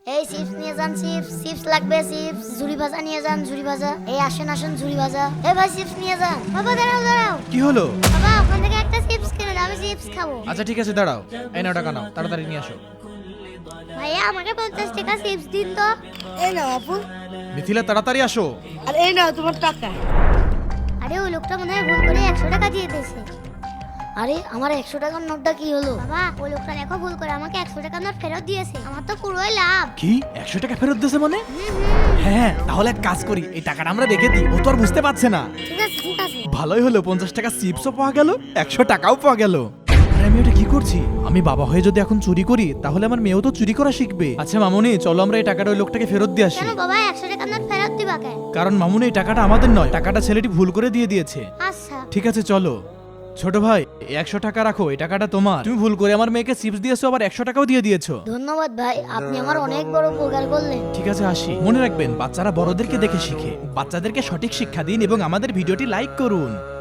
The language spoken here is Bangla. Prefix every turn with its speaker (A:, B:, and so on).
A: এই চিপস নিয়ে যান, চিপস চিপস লাগবে, চিপস ঝুরি ভাজা নিয়ে যান, ঝুরি ভাজা। এই আসেন আসেন ঝুরি ভাজা। এই ভাই চিপস নিয়ে যান। বাবা দাঁড়াও দাঁড়াও।
B: কি হলো?
A: বাবা ওখান থেকে একটা চিপস কিনে দাও, আমি চিপস খাবো।
B: আচ্ছা ঠিক আছে, দাঁড়াও। এই নাও টাকা নাও, তাড়াতাড়ি নিয়ে আসো।
A: ভাইয়া আমাকে 50 টাকা চিপস দিন তো।
C: এই নাও আপু,
B: মিথিলা তাড়াতাড়ি আসো।
C: আর এই নাও তোমার টাকা।
A: আরে ওই লোকটা মনে হয় ভুল করে 100 টাকা দিয়ে দিয়েছে। আরে আমার 100 টাকার নোটটা কি হলো? বাবা ওই লোকটা দেখো ভুল করে আমাকে 100 টাকার নোট ফেরত দিয়েছে। আমার তো পুরোই লাভ।
B: কি 100 টাকা ফেরত দিয়েছে মানে? হ্যাঁ, তাহলে এক কাজ করি, এই টাকাটা আমরা রেখে দিই, ও তো আর বুঝতে পারছে না।
A: ঠিক আছে ঠিক আছে।
B: ভালোই হলো, 50 টাকা চিপসও পাওয়া গেল, 100 টাকাও পাওয়া গেল। আরে আমি ওটা কি করছি? আমি বাবা হয়ে যদি এখন চুরি করি, তাহলে আমার মেয়েও তো চুরি করা শিখবে। আচ্ছা মামুনি, চলো আমরা এই টাকাটা ওই লোকটাকে ফেরত দিয়ে আসি।
A: কেন বাবা 100 টাকার নোট ফেরত দিবা কেন?
B: কারণ মামুনি, এই টাকাটা আমাদের নয়, টাকাটা ছেলেটি ভুল করে দিয়ে দিয়েছে।
A: আচ্ছা
B: ঠিক আছে চলো। ছোট ভাই, এই 100 টাকা রাখো, এই টাকাটা তোমার। তুমি ভুল করে আমার মেয়েকে চিপস দিয়েছো, আবার 100 টাকাও দিয়ে দিয়েছো।
A: ধন্যবাদ ভাই, আপনি আমার অনেক বড় উপকার করলেন।
B: ঠিক আছে আসি। মনে রাখবেন, বাচ্চারা বড়দেরকে দেখে শিখে। বাচ্চাদেরকে সঠিক শিক্ষা দিন এবং আমাদের ভিডিওটি লাইক করুন।